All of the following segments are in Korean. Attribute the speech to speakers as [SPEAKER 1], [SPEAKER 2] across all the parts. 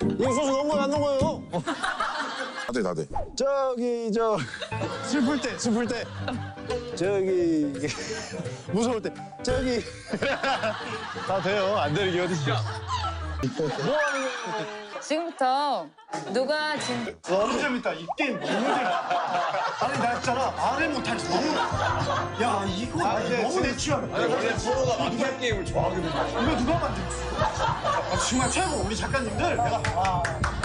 [SPEAKER 1] 이 소주 넣은 거야 안 넣은 거예요?
[SPEAKER 2] 나대.
[SPEAKER 1] 저기 슬플 때 저기 무서울 때 저기 다 돼요. 안 되는 게 어딨어. 뭐 하는 거야?
[SPEAKER 3] 지금부터 누가
[SPEAKER 1] 너무 재밌다. 이 게임 너무 재밌다. 아니 나 있잖아 말을 못하지 너무. 야 이거 너무 내 취향.
[SPEAKER 4] 원래 프로가 마피아 게임을 좋아하거든요.
[SPEAKER 1] 이거 누가 만들었어? 정말 최고 우리 작가님들. 내가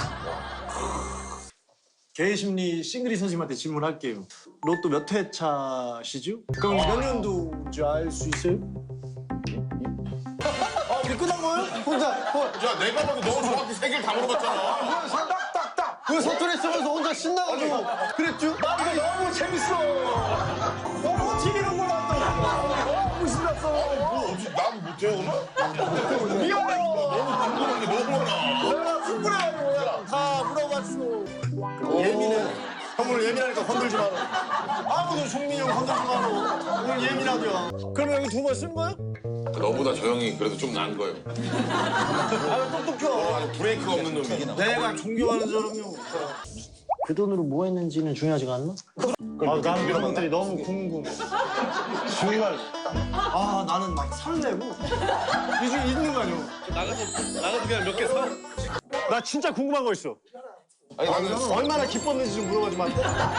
[SPEAKER 1] 개심리 싱글이 선생님한테 질문할게요. 로또 몇 회 차시죠? 그럼 몇 년도인지 알 수 있어요? 우리 끝난 거예요? 혼자
[SPEAKER 2] 야, 내가 봐도 너무 정확히 세 개를 다 물어봤잖아.
[SPEAKER 1] 딱딱딱 그 서툴에 쓰면서 혼자 신나가지고 그랬죠? 나 이거 너무 재밌어. 너무 튀기는 거 같더라고. 너무 신났어.
[SPEAKER 2] 뭐, 난 못해요, 오늘?
[SPEAKER 1] 미안해요.
[SPEAKER 2] 궁금한 게 너무 많아.
[SPEAKER 1] 내가 충분해가지고 그냥 다 물어봤어. 예민해. 형 오늘 예민하니까 건들지 마라. 아무도 종민이 형 건들지 마라. 오늘 예민하냐. 그럼 여기 두 번 쓴 거야?
[SPEAKER 2] 너보다 저 형이 그래도 좀 나은 거예요.
[SPEAKER 1] 아 똑똑해.
[SPEAKER 2] 아니, 브레이크가 없는 놈이.
[SPEAKER 1] 내가 존경하는 사람이요. 그 돈으로 뭐 했는지는 중요하지가 않나? 나는 그런 것들이 너무 궁금해. 정말. 나는 막 설레고. 이 중에 있는 거 아니야?
[SPEAKER 4] 나가서 그냥 몇 개 사.
[SPEAKER 1] 나 진짜 궁금한 거 있어.
[SPEAKER 2] 아니, 나는
[SPEAKER 1] 얼마나 기뻤는지 좀 물어보지 마.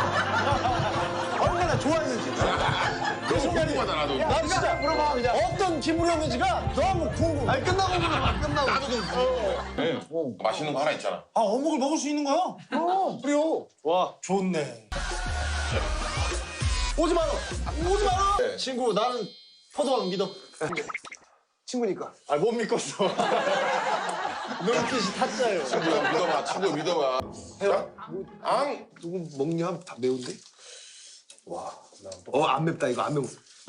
[SPEAKER 1] 얼마나 좋아했는지. 그 순간이.
[SPEAKER 2] 궁금하다, 나도.
[SPEAKER 1] 나 진짜 물어봐 그냥. 어떤 기분이었는지가 너무 궁금해. 아니 끝나고 물어봐. 끝나고.
[SPEAKER 2] 나도 좀 궁금해. 맛있는 거 하나 있잖아.
[SPEAKER 1] 어묵을 먹을 수 있는 거야? 그래요. 와 좋네. 오지 마라. 오지 마라.
[SPEAKER 2] 네.
[SPEAKER 1] 친구 나는 포도왕 믿어. 친구니까. 못 믿겠어. 눈빛이 타짜예요.
[SPEAKER 2] 친구야, 믿어봐. 친구야, 믿어봐. 자, 앙!
[SPEAKER 1] 누구 먹냐? 다 매운데? 안 맵다 이거 안 매워.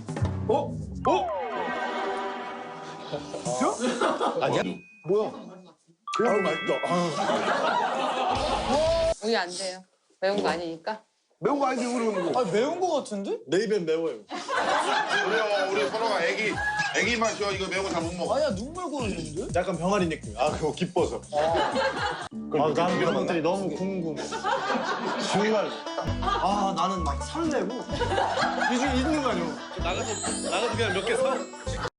[SPEAKER 1] 아니야? 뭐야? 그냥 맛있다.
[SPEAKER 3] 우리 안 돼요. 매운 거 아니니까.
[SPEAKER 1] 매운 거 아닌데 그러는 거. 매운 거 같은데? 내 입엔 매워요.
[SPEAKER 2] 우리 선호가 애기 맛이야. 이거 매운 거 잘 못 먹어.
[SPEAKER 1] 아니야 눈물 고이는데? 약간 병아리 느낌. 그거 기뻐서. 나는 그런 것들이 너무 궁금해. 정말. 나는 막 설레고. 이 중에 있는 거 아니야?
[SPEAKER 4] 나가서 그냥 몇 개 사.